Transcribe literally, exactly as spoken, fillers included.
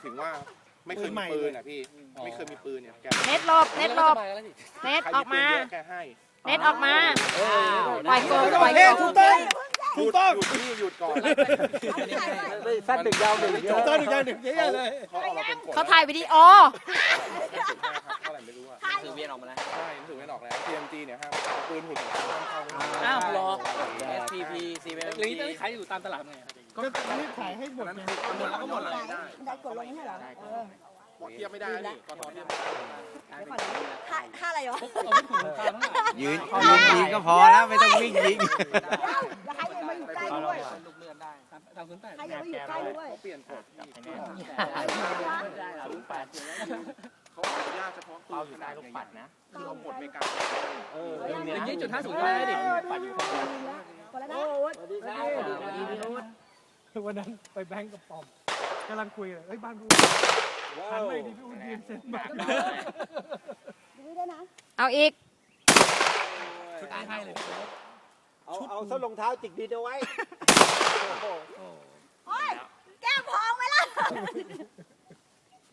ถึงว่าไม่เคยมีปืนอ่ะพี่ไม่เคยมีปืนเนี่ยแกเน็ตหลบเน็ตหลบเน็ตออกมาแกให้เน็ตออกมาปล่อยโกปล่อยโกถูกต้องถูกต้องหยุดนี่หยุดก่อนสั้นดึกยาวดึกเยอะตอนหนึ่งยาวหนึ่งเยอะเลยเขาเอามาเป็นกฎเขาถ่ายวิดีโอเท่าไหร่ไม่รู้อ่ะซื้อเวียนออกมาแล้วใช่รู้สึกไม่ออกแล้ว ที เอ็ม จี เนี่ยห้ามเอาปืนหุ่นของเขาห้ามเข้าอ้าวรอ เอส พี พี ซี เอ็มหรือนี่ขายอยู่ตามตลาดไงก็รีบขายให้หมดไงหมดแล้วก็หมดเลยได้ได้กดลงให้เหรอเออเทียบไม่ได้นี่กทเทียบไม่ได้ค่าค่าอะไรวะเอาไม่ถูกราคาเท่าไหร่ยืนยืนยิงก็พอแล้วไม่ต้องวิ่งยิงแล้วใครยังมาอยู่ใกล้ด้วยลูกเลื่อนได้ตามศูนย์แปดใครยังมาอยู่ใกล้ด้วยเขาเปลี่ยนกฎที่ศูนย์แปดเขาอนุญาตเฉพาะปืนขนาดใหญ่ๆคือเอาหมดไม่กล้าอย่างนี้จุดห้าศูนย์ได้ดิปัดอยู่คนละนะวันนั้นไปแบงก์กับปอมกำลังคุยเลยเฮ้ยบ้านพูดหันไปดิพี่อุ่นยืนเซ็นบัตรดูด้วยนะเอาอีกชุดนี้ให้เลยเอาเอาส้นรองเท้าจิกดินเอาไว้โอ้ยแก้มพองไปแล้ว